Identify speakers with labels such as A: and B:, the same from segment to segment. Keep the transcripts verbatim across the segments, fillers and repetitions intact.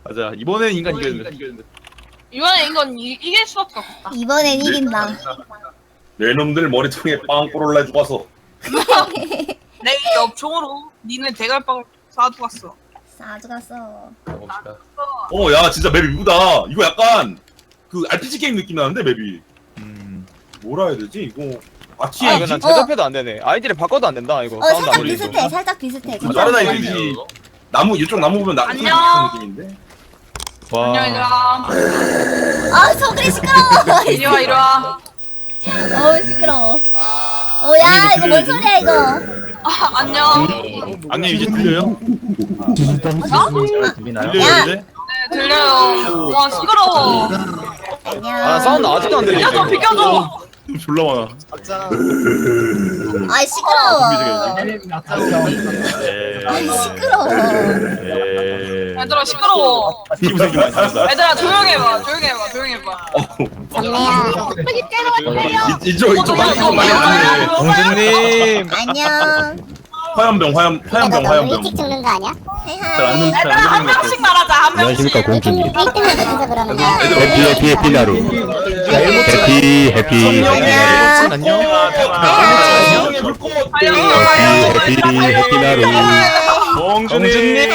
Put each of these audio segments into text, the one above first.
A: 맞아. 이번엔 인간 이겼는데.
B: 이번에 이건 이, 이길 수밖에 없다.
C: 이번엔 이긴다.
D: 내 놈들 머리통에 빵 뿌릴라 죽어서.
B: 내 옆총으로 니네 대갈빵을 쏴두고 갔어.
C: 싸주 갔어.
A: 가봅시다.
D: 어, 야, 진짜 맵이 이쁘다. 이거 약간 그 알피지 게임 느낌 나는데 맵이.
A: 음.
D: 뭐라 해야 되지? 이거
E: 아
D: 아티에
E: 이거 난 제접해도 안 되네. 아이디를 바꿔도 안 된다 이거.
C: 어
E: 사운드
C: 살짝
E: 안 들리고.
C: 비슷해. 살짝 비슷해.
D: 아, 다른 아이디지. 나무 이쪽 나무 보면 나
B: 안녕.
D: 같은 느낌인데.
A: 와.
B: 안녕 얘들아.
C: 아 소리 시끄러워.
B: 이리 와 이리 와.
C: 어우 시끄러워. 어야 이거 뭔 소리야 이거.
B: 아, 안녕.
A: 안녕 이제 들려요?
C: 야.
A: 들려요 이제?
B: 네 들려요. 와 시끄러워.
C: 안녕.
E: 아 사운드 아직도 안 들리네.
B: 비켜줘 비켜줘.
A: 졸라 많아.
C: 아이 시끄러워.
A: 에이.
C: 아이 시끄러워.
A: 에이.
B: 얘들아 시끄러워.
A: 피부 색이 많이 다르다.
B: 얘들아 조용히 해봐 조용히 해봐 조용히 해봐.
D: 이- 이쪽 이쪽 많이 이쪽 많이 하네.
E: 공주님.
C: 안녕.
D: 화염병 화염 화염병 화염병.
F: 일찍 죽는 거 아니야?
C: 헤하.
B: 얘들아 한 명씩 말하자 한 명씩.
G: 안녕하십니까 공주님.
F: 일 등을 못해서 그러는 거야.
G: 해피 해피 해피 나루. 해피 해피
C: 안녕.
E: 안녕.
D: 안녕의 불꽃.
G: 해피 해피 해피 나루.
A: 공주님.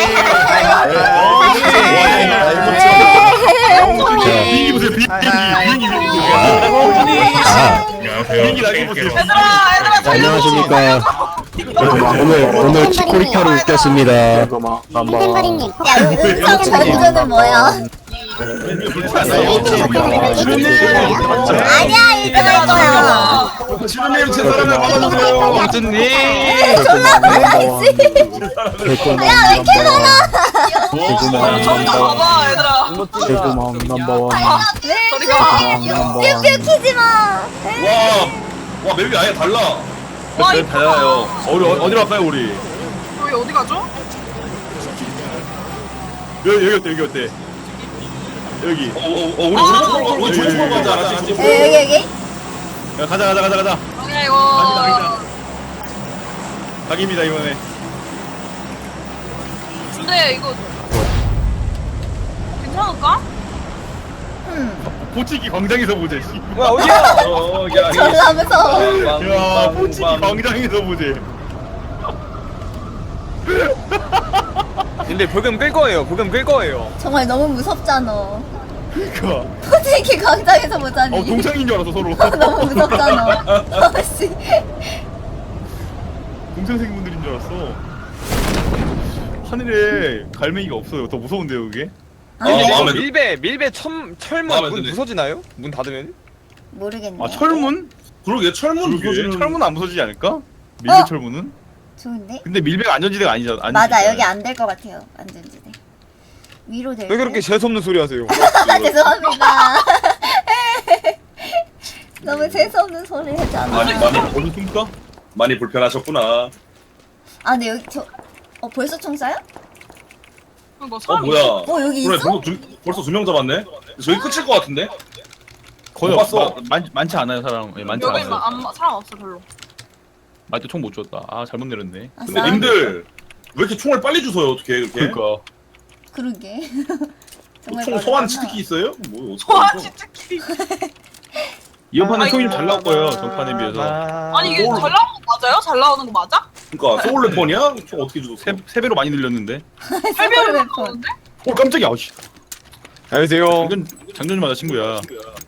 A: 비행기 보세요. 비행기 비행기 비행기.
G: 아
A: 비행기 날개 보세요.
B: 얘들아 얘들아 살려줘.
G: 안녕하십니까. 오늘 오늘 치코리타로 웃겼습니다.
F: 땡거리님.
C: 야 음성 전조는 뭐야? 아니야 이거 할 거야.
D: 지루님 제 사람을 막아주세요.
E: 공주님.
C: 졸라 많아지. 야왜 이렇게 많아?
B: 저기 가봐 얘들아.
G: 개구멍 넘버원.
B: 저리 가.
C: 뿅뿅 키지 마.
D: 와, 와 맵이 아예 달라.
B: 와
A: 네,
B: 이쁘다.
A: 달라요. 어디 어디로 갈까요 우리?
B: 저희 어디 가죠?
A: 여기 여기 어때 여기 어때? 여기.
D: 어, 어, 어 우리 우리 우리 조용히 가자. 알았지?
C: 여기 여기.
A: 야, 가자 가자 가자 가자.
B: 아니야 이거.
A: 각입니다 이번에.
B: 근데 이거 괜찮을까?
A: 포치기 광장에서 보자. 씨.
E: 뭐야 어디야?
D: 어, 야, 이-
C: 졸라 무서워.
A: 야, 포치기 광장에서 보자.
E: 근데 불금 끌 거예요. 불금 끌 거예요.
C: 정말 너무 무섭잖아.
A: 그니까.
C: 포지기 광장에서 보자니.
A: 어 동창인 줄 알았어 서로.
C: 너무 무섭잖아. 아씨.
A: 동창생분들인 줄 알았어. 하늘에 갈매기가 없어요. 더 무서운데요 그게?
D: 아, 마음에 들-
E: 밀배 밀배 천 철문
D: 마음에
E: 문
D: 드네.
E: 부서지나요? 문 닫으면?
C: 모르겠네.
A: 아 철문?
D: 그러게 철문
A: 그러게.
D: 부서지는
A: 철문 안 부서지지 않을까? 밀배
C: 어?
A: 철문은?
C: 좋은데?
A: 근데 밀배가 안전지대가 아니잖아. 아니지.
C: 맞아 여기 안 될 것 같아요. 안전지대. 위로 될.
E: 왜 그렇게 재수없는 소리 하세요?
C: 죄송합니다. 너무 재수없는 소리 했잖아.
D: 많이 많이
A: 어디 숨까?
D: 많이 불편하셨구나.
C: 아 근데 여기 저. 어 벌써 총 쏴요?
B: 이거
D: 어
B: 사람
D: 뭐야?
C: 어 여기
D: 그래
C: 있어?
D: 벌써 두, 벌써 두 명 잡았네. 저기 끝일 것 같은데?
A: 거의
D: 못
A: 없어.
D: 봤어.
A: 많, 많지 않아요 사람. 예, 많지
B: 여기
A: 않아요.
B: 막 안, 사람 없어 별로.
A: 맞도 총 못 줬다. 아 잘못 내렸네.
D: 근데
C: 아싸.
D: 님들 왜 이렇게 총을 빨리 주워요? 어떻게 이렇게?
A: 그러니까.
C: 그러게. 정말
D: 총
C: 빠르구나.
D: 소환 치트키 있어요? 뭐
B: 소환
D: 어떡하죠?
B: 치트키.
A: 이번 판은
B: 아이고.
A: 총이 좀 잘 나올 거예요. 전판에 비해서.
B: 아니 이게
D: 뭘.
B: 잘 나오는 거 맞아요? 잘 나오는 거 맞아?
D: 그러니까 소울 래퍼냐? 총 어떻게 주웠어?
A: 세, 세 배로 많이 늘렸는데.
B: 팔 배로
C: 래퍼.
B: 나오는데?
A: 오 깜짝이야. 아씨.
E: 안녕하세요.
A: 장전 장전 좀 하자 친구야.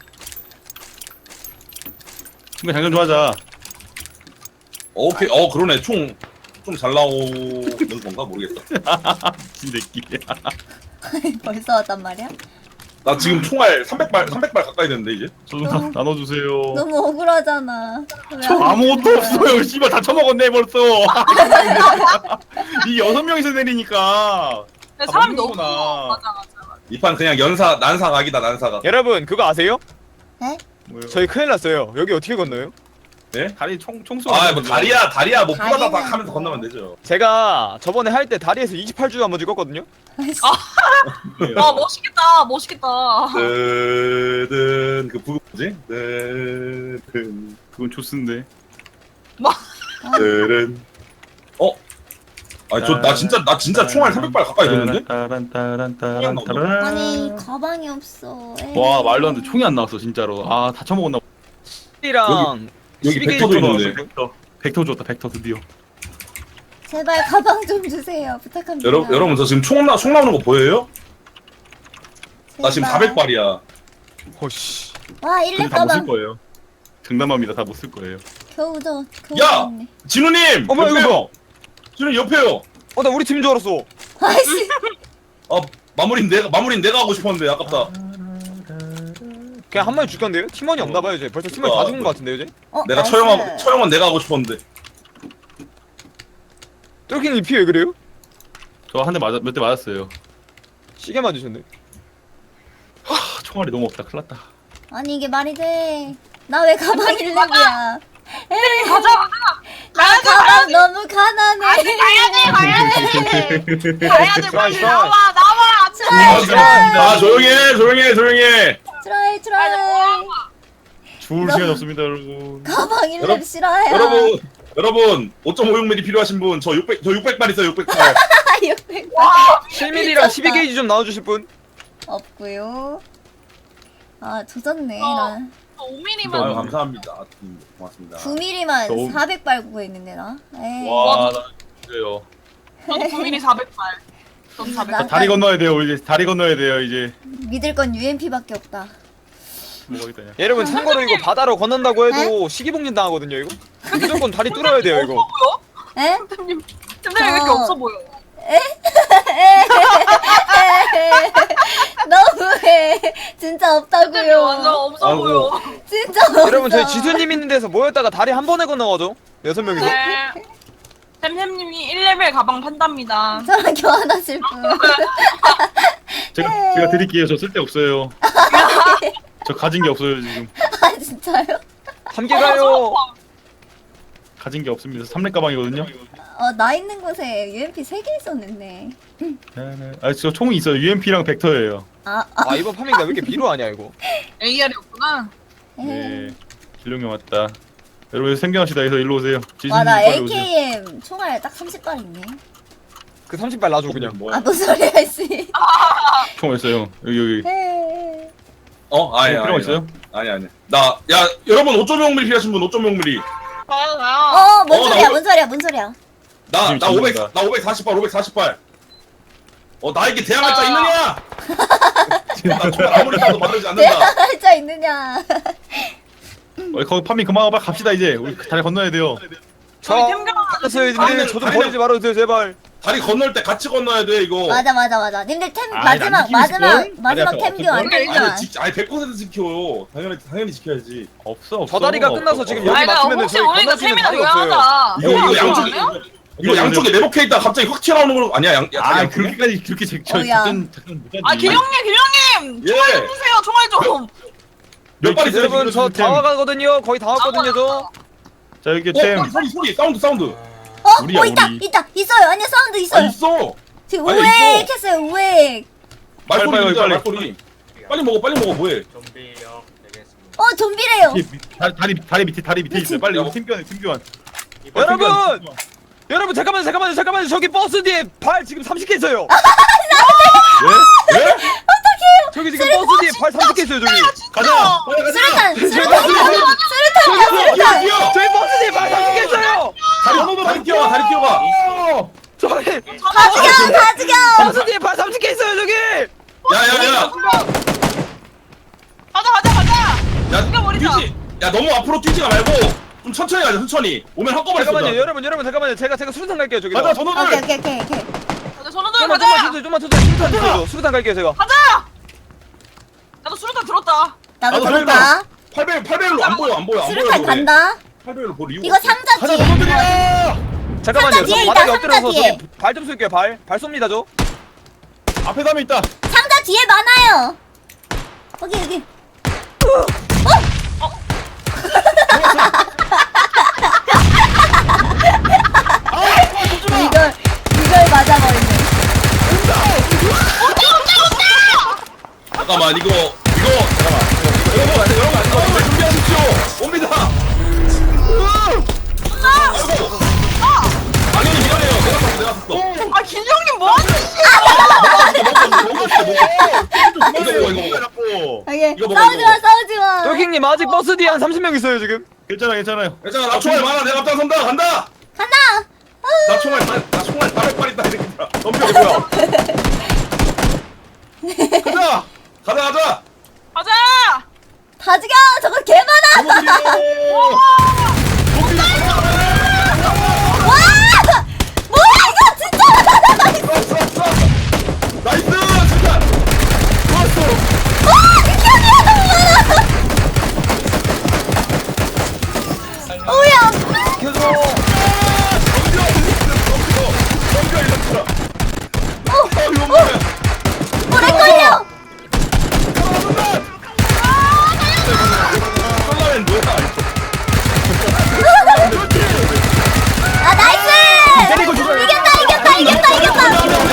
A: 친구 장전 좀 하자.
D: 어, 오케이. 어 그러네. 총 좀 잘 나오는 건가 모르겠다.
A: 미친 새끼.
C: 벌써 왔단 말이야?
D: 나 지금 총알 삼백 발 삼백 발 가까이 됐는데 이제.
A: 저도 나, 나눠주세요.
C: 너무 억울하잖아. 왜안
A: 저 아무것도
C: 주는 거야?
A: 없어요. 씨발 다 처먹었네 벌써. 이 여섯 명이서 내리니까.
B: 근데
A: 다
B: 사람이 너무
A: 먹는구나.
B: 많아. 맞아 맞아 맞아.
D: 이 판 그냥 연사 난사 각이다 난사각.
E: 여러분 그거 아세요?
C: 네?
A: 뭐요?
E: 저희 큰일 났어요. 여기 어떻게 건너요?
D: 네?
A: 다리 총 총수.
D: 아뭐 다리야 다리야 뭐
C: 다리는
D: 뿌다다닥 하면서
C: 뭐.
D: 건너면 되죠.
E: 제가 저번에 할 때 다리에서 이십팔 주 한번 찍었거든요.
B: 아 멋있겠다 멋있겠다.
D: 뜨든 그 부금 뭐지? 뜨든
A: 그건 조스인데.
D: 뜨든 어? 아니 저 나 진짜 나 진짜 총알 삼백 발 가까이 됐는데?
A: 따란 따란 따란 따란.
C: 아니 가방이 없어. 에이.
A: 와 말도 안 돼. 총이 안 나왔어 진짜로. 아 다 처먹었나.
E: 이랑
D: 여기
E: 십이 게이지
D: 벡터도
E: 좀
D: 있는데.
A: 벡터. 벡터 줬다. 벡터 드디어.
C: 제발 가방 좀 주세요. 부탁합니다.
D: 여러분 여러분 저 지금 총, 나, 총 나오는 거 보여요? 나 지금
C: 제발.
D: 사백 발이야.
E: 어씨.
C: 와 일렙
A: 근데 다 못 쓸
C: 가방.
A: 거예요. 장담합니다. 다 못 쓸 거예요.
C: 겨우 저 겨우
D: 야!
C: 줬네.
D: 진우님!
E: 어머, 이거
D: 옆에요! 진우 옆에요!
E: 어나 우리 팀인 줄 알았어.
C: 아이씨.
D: 아 마무리는 내가 마무리는 내가 하고 싶었는데 아깝다.
E: 그냥 한 마리 죽였는데요? 팀원이 없나 봐요 이제. 벌써 팀원이
D: 어,
E: 다 죽은
D: 뭐.
E: 것 같은데요 이제?
C: 어,
D: 내가
C: 나이스.
D: 처형하고 처형은 내가 하고 싶었는데.
E: 똘킹이 피 왜 그래요?
A: 저 한 대 맞아 몇 대 맞았어요.
E: 시계 맞으셨네.
A: 하, 총알이 너무 없다. 큰일 났다.
C: 아니 이게 말이 돼? 나 왜 가방 일렙이야? 에이,
B: 가자 가자.
C: 나 가방 너무 가난해.
B: 아니 가야 돼 가야 돼. 가야 돼 빨리
E: 좋아,
B: 나와 나와.
C: 트라이
D: 아,
C: 트라이
D: 아 조용해 조용해 조용해.
C: 트라이 트라이.
A: 죽을
C: 너-
A: 시간이 없습니다 여러분.
C: 가방 일렙
D: 여러분,
C: 싫어요.
D: 여러분 여러분 오 점 오육 밀리미터 필요하신 분 저 육백 저 육백 발 있어요 육백 발.
C: 아, 육백
E: 칠 밀리미터랑 십이 게이지 좀 나와주실 분?
C: 없고요. 아 조졌네.
B: 어.
C: 나
B: 오
D: 아유
B: 밀리미터면
D: 감사합니다. 음, 고맙습니다.
C: 구 밀리미터만
A: 너무-
C: 사백 발 구했는데 나. 에이.
A: 와, 나 그래요.
B: 저도 구 밀리미터 사백 발. 저도 사백
C: 나-
B: 발.
A: 다리 건너야 돼요. 이제 다리 건너야 돼요. 이제
C: 믿을 건 유엠피밖에 없다.
A: 뭐겠다냐.
E: 여러분 참고로 이거 바다로 건넌다고 해도 시기복린 당하거든요 이거. 무조건 다리 뚫어야 돼요 이거.
B: 없어 보여?
C: 에?
B: 템님 템님 왜 이렇게
C: 저-
B: 없어 보여?
C: 너무해. 진짜
B: 템님
C: 없다고요.
B: 완전 없어
D: 아이고.
B: 보여.
C: 진짜 없어.
E: 여러분 저희 지수님 있는 데서 모였다가 다리 한 번에 건너가죠. 여섯 명이서.
B: 네. 템템님이 일 레벨 가방 판답니다.
C: 저랑 교환하실 분.
A: 제가 제가 드릴게요. 저 쓸데 없어요. 저 가진 게 없어요 지금.
C: 아 진짜요?
E: 함께 가요.
A: 가진 게 없습니다. 삼렙 가방이거든요.
C: 어 나 있는 곳에 유엠피 세 개 있었는데.
A: 아, 저 총이 있어요. 유엠피랑 벡터예요.
C: 아, 아.
E: 아 이번 파밍가 왜 이렇게 비루하냐 이거.
B: 에이알이었구나.
A: 네. 길룡이 왔다. 여러분 생겨납시다. 해서 일로 오세요.
C: 와나
A: 빨리 오세요.
C: 에이케이엠 총알 딱 삼십 발 있네.
E: 그 삼십 발 놔줘 그냥.
D: 뭐야?
C: 아 무슨 소리야 씨.
A: 총 있어요. 여기 여기.
C: 에이.
D: 어 아니
A: 필요가
D: 아니
A: 있어요?
D: 아니 아니. 나 야 여러분 오 점 영 밀리미터 필요하신 분 오 점 영 밀리미터.
B: 가요 가요.
C: 어, 뭔
D: 어,
C: 소리야,
D: 나
C: 뭔 소리야, 뭔 소리야.
D: 나
A: 지금
D: 나 오백
A: 잡는다.
D: 나 오백사십 발 오백사십 발. 어 나에게 대항할 자 있느냐? 나 정말 아무리 봐도 만들지 않는다.
C: 대화할 자 있느냐.
A: 어, 거기 파밍 그만 하고 갑시다 이제. 우리 다리 건너야 돼요.
E: 저
B: 저희 템 가방
E: 알았어요 님들
D: 다리는-
E: 저좀
D: 다리는-
E: 버리지 말아주세요 제발.
D: 다리 건널 때 같이 건너야 돼 이거.
C: 맞아, 맞아, 맞아. 님들 템,
A: 아이,
C: 마지막,
A: 난 지키고
C: 마지막,
A: 있을걸?
C: 마지막
A: 아니,
C: 템
A: 아까
C: 교환.
A: 없을걸?
C: 템 교환.
D: 아니 지, 아니 백 퍼센트 지켜. 당연히 당연히 지켜야지.
A: 없어 없어.
E: 저 다리가 끝나서
A: 없어,
E: 지금
A: 없어.
E: 여기
B: 아니 나
E: 막히면은
B: 혹시
E: 저희
B: 우리가
E: 건너뛰는
B: 템이나
E: 다리가 없어요.
B: 교환하자.
D: 이거 이거 양쪽에
B: 교환해요?
D: 이거 양쪽에 내복해 있다 갑자기 확 튀어나오는 거 아니야? 양, 야,
A: 아
D: 다리
A: 그렇게까지 그렇게 제, 저
C: 어, 야.
A: 작전 작전 못하지.
B: 아 길령님 길령님
D: 예.
B: 총알 좀 주세요 총알 좀.
D: 몇발 있어요?
E: 여러분 저
D: 지금?
E: 다 와가거든요. 거의 다 왔거든요 저.
A: 자 여기
D: 어,
A: 템.
D: 소리, 소리 소리 사운드 사운드.
C: 어,
A: 우리야,
C: 어, 있다,
A: 우리.
C: 있다, 있어요. 아니야, 사운드
D: 아
C: 있어요.
D: 있어.
C: 지금
D: 아니,
C: 우액
D: 있어.
C: 했어요, 우액.
D: 말소리
A: 빨리,
D: 들리잖아,
A: 빨리,
D: 말소리. 빨리 먹어 빨리 먹어 뭐해?
C: 어, 좀비래요.
A: 뒤에 밑- 다리 다리 다리 밑에 다리 밑에 있어요. 빨리
D: 야,
A: 팀 교환 팀 교환.
E: 여러분! 여러분 잠깐만요 잠깐만요 잠깐만요 저기 버스 뒤에 발 지금 삼십 개 있어요.
A: 예? 예?
E: 저기 지금 버스 뒤에 발 삼십 개 있어요 저기.
A: 가자.
C: 수류탄, 수류탄,
D: 수류탄,
C: 수류탄이야,
D: 뛰어
C: 수류탄.
D: 뛰어.
E: 저희 버스 뒤에 발 삼십 개 있어요.
D: 다리 건너서 다리 뛰어가 다리 뛰어가.
E: 저기
C: 다 죽여, 다 죽여.
E: 버스 뒤에 발 삼십 개 있어요 저기.
D: 야야야.
B: 가자 가자 가자.
D: 야
B: 죽여버리자.
D: 뛰지. 야 너무 앞으로 뛰지가 말고 좀 천천히 가자 천천히. 오면 한꺼번에
E: 잠깐만요
D: 쏜다.
E: 여러분 여러분 잠깐만요 제가 제가 수류탄 갈게요 저기.
A: 가자
C: 오케이,
A: 전원을.
C: 오케이, 오케이, 오케이.
B: 가자 손흔들
E: 좀만
B: 가자.
E: 좀만 쳐줘요 좀만 쳐줘요 수류탄 쳐줘 수류탄 갈게요 제가.
B: 가자. 나도 수류탄 들었다.
C: 나도
A: 나도
C: 들었다.
D: 팔 배 팔 배율로 안 보여 안 보여 안 보여.
C: 수류탄 간다.
D: 팔 배율로 볼 이유가
C: 이거
D: 없어.
C: 상자
A: 가자
C: 뒤에.
A: 전원들이야.
E: 잠깐만요
C: 상자 뒤에
E: 저
C: 있다,
E: 바닥에
C: 상자
E: 엎드려서
C: 뒤에.
E: 저기 발 좀 쏠게요 발. 발 쏩니다 저.
A: 앞에 담에 있다.
C: 상자 뒤에 많아요. 여기, 여기. 이걸, 이걸 맞아버리네.
D: 잠깐만 이거 이거 잠깐만 여러분 여러분 여러분 준비하십시오. 옵니다. 아이고. 당연히 미안해요. 내가 쐈어 내가 쐈어.
B: 아 길령님 뭐하는
D: 이거 먹어 이거 먹어.
A: 잡고.
C: 오케이.
D: 이거 먹어,
C: 싸우지
D: 이거
C: 마, 싸우지 마.
E: 똘킹님 아직 버스 뒤에 한 삼십 명 있어요 지금.
A: 괜찮아 괜찮아요.
D: 괜찮아 나 총알 많아 내가 앞장선다 간다.
C: 간다.
D: 나 총알 다- 나 총알 사백 발 있다 이랬다.
A: 덤벼 뭐야? 가자.
D: 가자 가자.
B: 가자.
C: 다 죽여. 저거 개 많아. 와! 뭐야 이거 진짜.
D: 나이스 진짜. 좋았어.
C: 와, 기억이야 너무 많아. 오야.
E: 켜줘.
D: 덤벼 이랬더라.
C: 어,
D: 아 이거 뭐야?
C: 오래 걸려.
D: 컬러맨 뭐야?
C: 아 나이스. 이겼다 이겼다 이겼다 이겼다.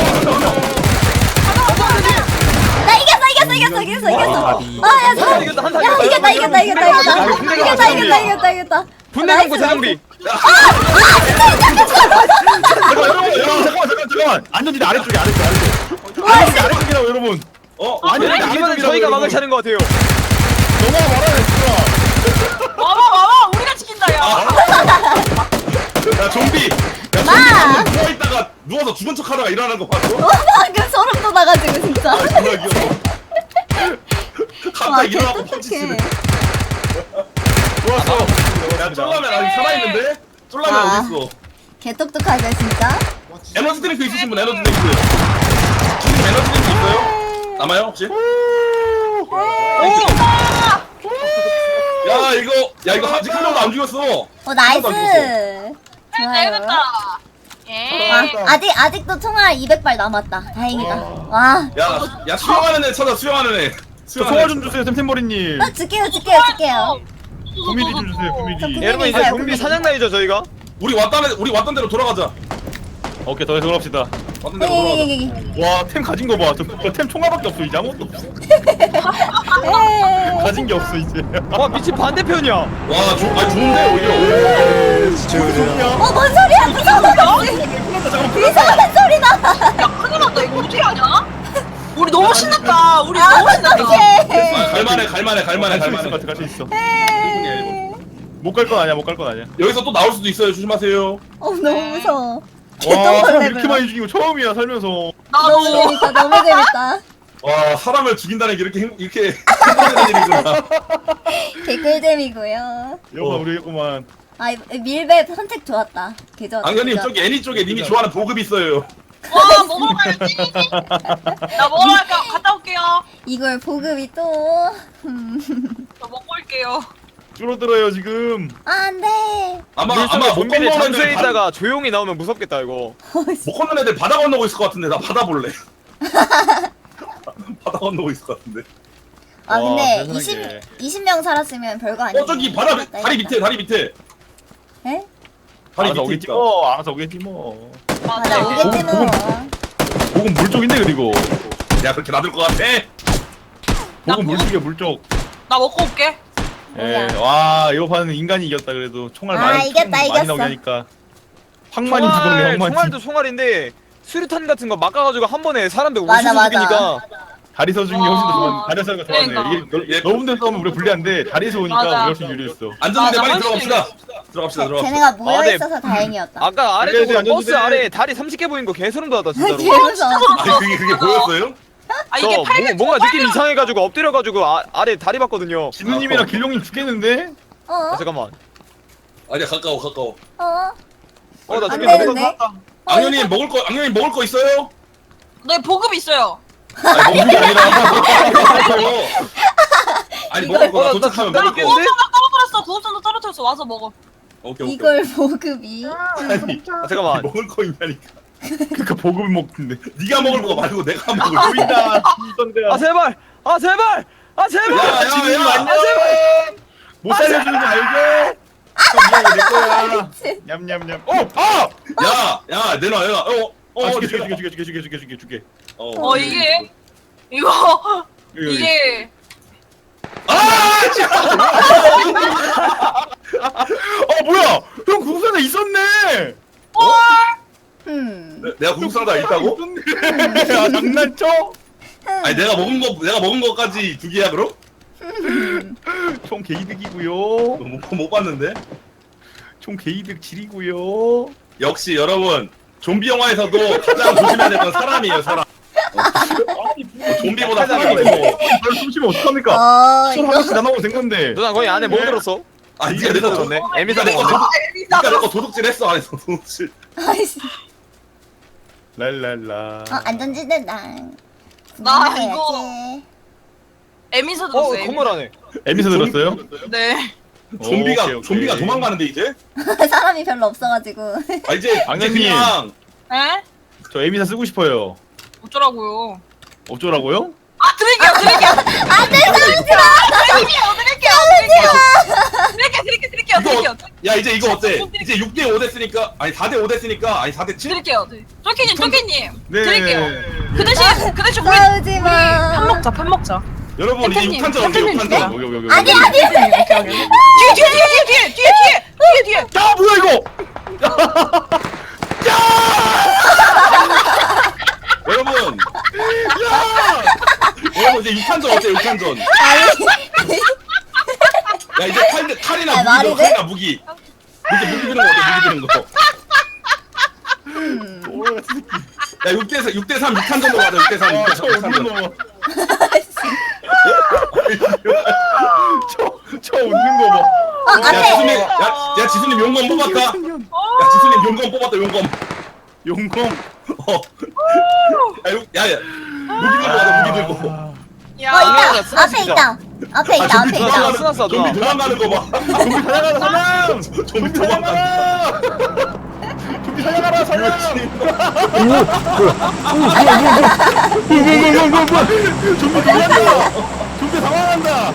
C: 나 이겼어 이겼어 이겼어 이겼어 이겼어. 아야 잘.
E: 이겼다, 한타
C: 야
E: 이겼다.
C: 이겼다 이겼다 이겼다 이겼다 이겼다 이겼다 이겼다 이겼다.
E: 분내 공고 재정비.
A: 잠깐만 여러분 여러분 잠깐만 잠깐 잠깐만. 안전지대 아래쪽에 아래쪽 아래쪽. 안전지대 아래쪽이라고 여러분.
D: 어?
A: 아니
E: 이번엔
A: 아래쪽이라고,
E: 저희가
A: 여러분.
E: 막을 차는 것 같아요.
A: 너가 말하네 진짜.
B: 와봐 와봐 우리가 지킨다 야.
D: 야 좀비. 야
C: 마!
D: 좀비 누워 있다가 누워서 죽은 척하다가 일어나는 거 봤어?
C: 어 방금 소름 돋아가지고 진짜.
D: 아 정말 귀여워.
C: 와
D: 갑자기 일어나고 펀치
C: 개똑똑해.
D: 치네. 좋았어. 야 쫄라면 아직 살아있는데? 쫄라면
C: 아.
D: 어딨어?
C: 개똑똑하게 진짜.
D: 에너지 드링크 있으신 분 에너지 드링크. 지금 에너지 드링크 있어요? 남아요 혹시? 야 이거 야 이거 아직 한 명도 안 죽였어.
C: 어 나이스.
B: 잘
C: 좋아요.
B: 됐다.
C: 와,
B: 예.
C: 아직 아직도 총알 이백 발 남았다. 다행이다. 와.
D: 야, 야 수영하는 애 찾아 수영하는 애.
A: 저 총알 좀 주세요 템템버리님.
C: 나 줄게요 줄게요 줄게요.
A: 구미리 좀 주세요
C: 저
A: 구미리.
C: 구미-
E: 여러분 이제
C: 있어요,
E: 좀비
C: 구미.
E: 사냥단이죠 저희가.
D: 우리 왔던 애 우리 왔던 대로 돌아가자.
A: 오케이 더 돌아갑시다.
D: 왔던 대로 돌아가자.
C: 여기
A: 와 템 가진 거 봐. 저템 총알밖에 없어 이제 아무것도 없어.
C: 여기.
A: 가진 게 없어 이제.
E: 와 미친 반대편이야.
D: 와, 좋, 아 좋은데 오히려.
C: 어뭔 소리야 무서워. 이상한 소리 나.
B: 야 큰일 났다 이거 어떻게 하냐? 우리 너무 신났다. 우리
C: 아
B: 너무 신났다.
C: 어떡해.
D: 아, 갈만해, 갈만해, 갈만해,
A: 갈수 있을
D: 갈만해.
A: 것 같아 갈수 있어.
C: 에이.
A: 못 갈 건 아니야 못 갈 건 아니야.
D: 여기서 또 나올 수도 있어요. 조심하세요.
C: 어 너무 무서워.
A: 와 사람
C: 개똥벌레
A: 이렇게 많이 죽이고 처음이야 살면서.
C: 너무
B: 나도.
C: 재밌다 너무 재밌다.
D: 와, 사람을 죽인다는 게 이렇게 힘- 이렇게 힘든 일이구나.
C: 개꿀잼이고요.
A: 여봐
D: 어.
A: 우리 했구만.
C: 아 밀배 선택 좋았다. 개 좋았다.
D: 안경님
C: 개
D: 저기 애니 쪽에 님이 좋아하는 보급 있어요.
B: 와 먹으러 가야지. 나 먹으러 갈까? 갔다 올게요.
C: 이걸 보급이 또.
B: 저 먹고 올게요.
A: 줄어들어요 지금.
C: 아, 안 돼.
D: 아마
E: 물속에
D: 아마 못
E: 좀비들
D: 건너는
E: 잠수해
D: 애들 바,
E: 있다가 조용히 나오면 무섭겠다 이거.
D: 못 건너는 애들 바다 건너고 있을 것 같은데 나 바다 볼래. 바다 건너고 있을 것 같은데.
C: 아,
A: 와,
C: 근데
A: 세상에.
C: 이십, 이십 명 살았으면 별거 아니야.
D: 어 저기 바다 밑- 다리 밑에 다리 밑에
C: 에?
D: 다리
A: 알아서
D: 밑에
A: 오겠지
D: 있다.
A: 뭐. 알아서 오겠지 뭐.
C: 맞아,
B: 맞아.
C: 오겠지 뭐.
A: 복은 물 쪽인데 그리고.
D: 야 그렇게 놔둘 것 같아?
A: 복은 물 쪽이야 물 쪽.
B: 나 먹고 올게.
A: 예.
C: 뭐야.
A: 와 이거 반은 인간이 이겼다 그래도 총알
C: 아,
A: 많이
C: 이겼다,
A: 많이
C: 이겼어.
A: 나오게 하니까. 황만이 죽었네
E: 총알,
A: 황만이.
E: 총알도 총알인데 수류탄 같은 거 막아가지고 한 번에 사람들
C: 맞아,
E: 우수수
C: 맞아.
E: 죽이니까.
A: 다리에서 죽는 게 훨씬 더 좋아.
B: 아,
A: 다리에서 하는 거 좋아하네.
B: 그러니까.
A: 이게 넓- 넓은 데 싸우면 우리 불리한데 다리에서 오니까
B: 맞아.
A: 우리 훨씬 유리했어.
D: 안전지대
B: 맞아,
D: 빨리
B: 훨씬
D: 들어갑시다. 들어갑시다 들어갑시다.
C: 쟤네가 모여
E: 아, 네.
C: 있어서 다행이었다.
E: 아까
A: 그래,
E: 아래쪽으로
A: 안전지대.
E: 버스 아래 다리 삼십 개 보인 거 개소름 돋았다 진짜로.
C: 개 무서워.
D: 아니 그게 그게 보였어요?
B: 아
E: 저
B: 이게
E: 뭐,
B: 팔
E: 뭔가 느낌 이상해가지고 엎드려가지고 아, 아래 다리 봤거든요.
A: 진우님이랑 길룡님 죽겠는데?
C: 어?
E: 아, 잠깐만.
D: 아니야 가까워 가까워.
C: 어?
E: 어나
C: 안
E: 죽겠는데.
C: 되는데? 어,
D: 악녀님 먹을 거 악녀님 먹을 거 있어요?
B: 네 보급 있어요.
D: 아니 먹는 게 아니라 먹을 거. 아니 먹을 거나
E: 어, 나
D: 도착하면
E: 진짜
D: 먹을 거.
E: 모르겠는데?
B: 구급선도 떨어뜨렸어. 구급선도 떨어뜨렸어. 와서 먹어.
D: 오케이 오케이.
C: 이걸 보급이.
A: 아니
E: 아, 잠깐만.
D: 먹을 거 있냐니까.
A: 그니까 보급을 먹는데.
D: 네가 먹을 거 말고 내가 먹을 거.
A: 보인다. 있던데.
E: 아 제발. 아 제발. 아 제발.
D: 야,
A: 진우님
D: 야,
A: 안녕.
E: 아,
A: 못 살려주는 거 알지? 미안해 내 거야. 냠냠냠. 어! 아!
D: 야, 야, 내놔, 내놔. 어, 어,
A: 아, 죽게
D: 내놔.
A: 죽게 죽게 죽게 죽게 죽게 죽게 죽게.
D: 어,
B: 어 이게 이거
A: 여기, 여기.
B: 이게
D: 아, 진짜.
A: 어 뭐야? 형 궁선에 있었네.
B: 헐
C: 음.
D: 내- 내가 구급상자 있다고?
A: 야 장난쳐?
D: 아니 내가 먹은 거 내가 먹은 거까지 두 개야 그럼?
A: 총 개이득이고요.
D: 못, 못 봤는데.
A: 총 개이득 질이고요.
D: 역시 여러분 좀비 영화에서도 가장 조심해야 될 건 사람이에요 사람. 어, 좀비보다 사람이 더.
A: 이걸 숨쉬면 어떡합니까?
C: 어
A: 술
C: 이거
A: 하나씩 나눠면 된 건데.
E: 누나 거기 안에 뭐 들었어?
D: 아 니가 내거 도둑.
E: 네.
D: 니가
E: 에미사
D: 내거
E: 먹었네.
D: 도둑.
B: 에미사.
D: 니가 내거 도둑질 했어 안에서 도둑질.
C: 아이씨.
A: 랄랄라.
C: 어 안전지대다.
B: 나
C: 해야지.
B: 이거- 에미사
E: 어
B: 들었어요.
E: 건물 안에.
A: 에미서 들었어요?
B: 네.
D: 좀비가
A: 오케이, 오케이.
D: 좀비가 도망가는데 이제?
C: 사람이 별로 없어가지고.
D: 아 이제 이제
A: 악녀님.
D: 그냥
B: 에?
A: 저 에미사 쓰고 싶어요.
B: 어쩌라고요?
A: 어쩌라고요?
B: 아 드릴게요 드릴게요.
C: 안돼 싸우지 마.
B: 드릴게요 드릴게요 드릴게요. 드릴게요 드릴게요 드릴게요
D: 이거
B: 드릴게요.
D: 야 이제 이거 어때? 이제 육 대 오 됐으니까 아니 사 대 오 됐으니까 아니 사 대 칠?
B: 드릴게요. 쪼끼님 쪼끼님
A: 네.
B: 드릴게요. 그 대신 그 대신 우리
C: 싸우지 마.
B: 편 먹자 편 먹자.
D: 여러분 이제
B: 팬님,
D: 육 탄전 언제 육
B: 팬님
D: 탄전?
A: 여기 여기 여기.
C: 아니 아니.
B: 뒤에 뒤에 뒤에 뒤에 뒤에 뒤에 뒤에.
A: 야 뭐야 이거?
D: 여러분 야 여러분 이제 육 탄전 어때 육 탄전?
C: 아니.
D: 야 이제 칼, 칼이나
C: 아,
D: 무기
C: 말이
D: 들어
C: 돼?
D: 칼이나 무기 무기 무기 드는 거 어때 무기 드는 거? 야 육 대 육 대 삼 육 탄전으로 가자 육 대 삼 육 대
A: 저
D: 삼 육
A: 웃는
D: 탄전.
A: 거 봐. 저, 저 웃는 거 봐.
C: 어
D: 야
C: 앞에.
D: 지수님 야, 야 지수님 용검 뽑았다. 야 지수님 용검 뽑았다 용검.
A: 용공.
D: 어. 야야야 무기 들고 가자 무기 들고.
C: 어
B: 야.
E: 야,
C: 있다. 앞에 있다. 앞에
D: 아,
C: 있다. 앞에
D: 좀비
C: 있다.
E: 누나 쓰났어
D: 좀비
E: 누나.
D: 도망가는 거 봐.
A: 좀비 살려가라 사람.
D: 좀비 도망가는
A: 살려가라. 좀비 살려가라 사람. 뭐뭐뭐뭐뭐 좀비 도망간다. 좀비 당황한다.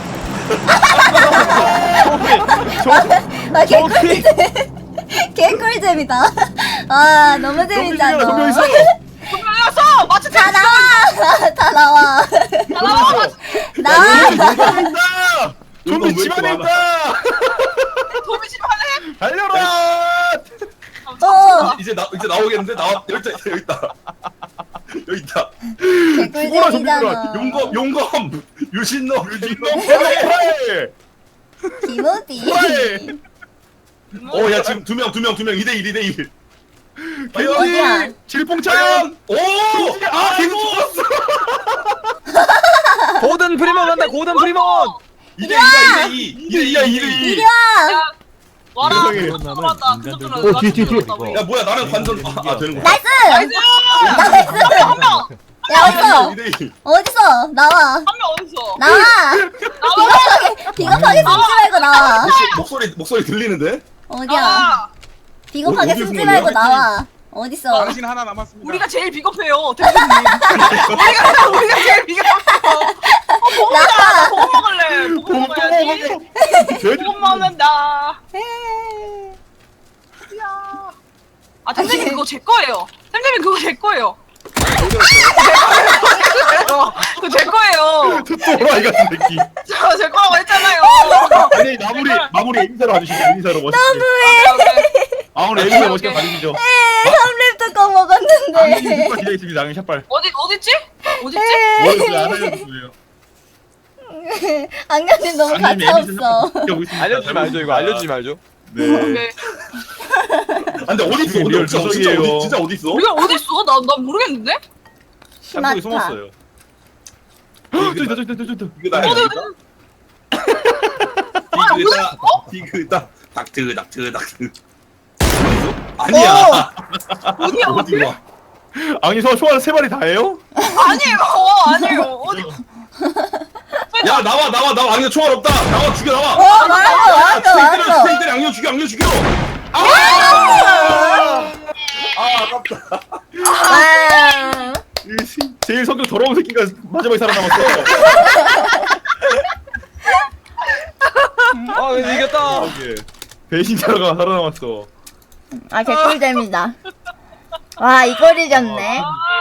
C: 아 개꿀잼. 개꿀잼이다. 아 너무 재밌다
A: 좀비
C: 너.
A: 있어.
B: 분명했어. 마치
C: 다 나와. 다 나와.
B: 나와.
C: 나와.
A: 있다. 좀비
D: 용검 왜
A: 집안에
D: 이렇게
A: 있다.
B: 도미 집 할래?
A: 달려라.
C: 어.
D: 이제 나 이제 나오겠는데 나와 여기 있다 여기 있다 여기 있다.
A: 죽어라 좀비들아.
C: 개꿀잼이잖아.
D: 용검 용검 유신노 유신노.
A: 그래.
C: 김호디.
A: 그래.
D: 어야 지금 두 명 두 명 두 명 이 대 일 이 대 일.
C: 어디야?
A: 질풍차연.
D: 오! 아 계속 죽었어.
E: 고든 프리먼 간다 고든 프리먼.
D: 이 대 이다 이 대 이. 이 대 이야 이 대 이.
C: 이리 와.
B: 야. 와라.
A: 세상에.
B: 그것 좀 들어왔다. 그것 좀
G: 어, 뒤에, 뒤에, 뒤에.
D: 야 뭐야 나랑 관전 아, 아 되는 거야.
C: 나이스.
B: 나이스.
C: 나이스.
B: 한 명.
C: 야 어딨어?
D: 이 대 이.
C: 어딨어? 나와.
B: 한 명 어딨어?
C: 나와. 비겁하게 비겁하게 숨지 말고 나와.
D: 목소- 목소리 목소리 들리는데?
C: 어디야?
B: 아,
C: 비겁하게
D: 어디
C: 숨지
D: 숨은
C: 말고
D: 거야?
C: 나와. 어딨어?
H: 당신 하나 남았습니다.
B: 우리가 제일 비겁해요, 대표님. 우리가 우리가 제일 비겁해요. 어, 보고 먹자. 보고 먹을래. 보고
A: 또
B: 먹어야지. 보고 먹는다. 야. 아, 템템님 그거 제 거예요. 템템님 그거 제 거예요. 그거 제 거예요.
A: 또라이 같은 새끼.
B: 저 제 거라고 했잖아요.
A: 아니 마무리 마무리 에미사로 와주시죠. 에미사로 멋있게. 마무리 에미사 멋있게 가주시죠.
C: 삼 렙 뚜껑 먹었는데.
A: 악녀님 기다있습니다 악녀 샷발.
B: 어디 어딨지? 어딨지?
A: 뭐였어요? 안 알려줬어요.
C: 악녀님 너무
A: 악녀님
C: 가차
A: 에미사
C: 없어.
A: 지켜보고 있습니다.
E: 알려주지 말죠 이거 알려주지 말죠.
A: 네.
B: 네.
D: 아, 근데 어디 있어?
A: 리얼
D: 어디 있어? 진짜
A: 조석이에요.
D: 어디 진짜 어디 있어?
B: 우리가 어딨어? 나, 나 모르겠는데?
A: 땅속에
C: 히마타.
A: 숨었어요. 저기 있다 저기 있다 저기 있다.
D: 이거 나야.
B: 어디, 어디,
D: 디그다 디그다 닥트 닥트 닥트. 아니야.
B: 어디야, 어디?
D: 어디야?
A: 아니 저 총알 세 마리 다예요?
B: 아니에요, 아니에요. 어디?
D: 야 나와 나와 나와 악녀 총알 없다. 나와 죽여 나와.
C: 어 왔어 왔어
D: 스테이크를
C: 왔어.
D: 스테이크를 악녀 죽여 악녀 죽여. 아! 아 아깝다.
C: 아.
A: 이 시- 제일 성격 더러운 새끼가 마지막에 살아남았어.
E: 아 근데 이겼다.
A: 예. 배신자가 살아남았어.
C: 아 개꿀잼이다. 와 이걸 이겼네.
B: 아,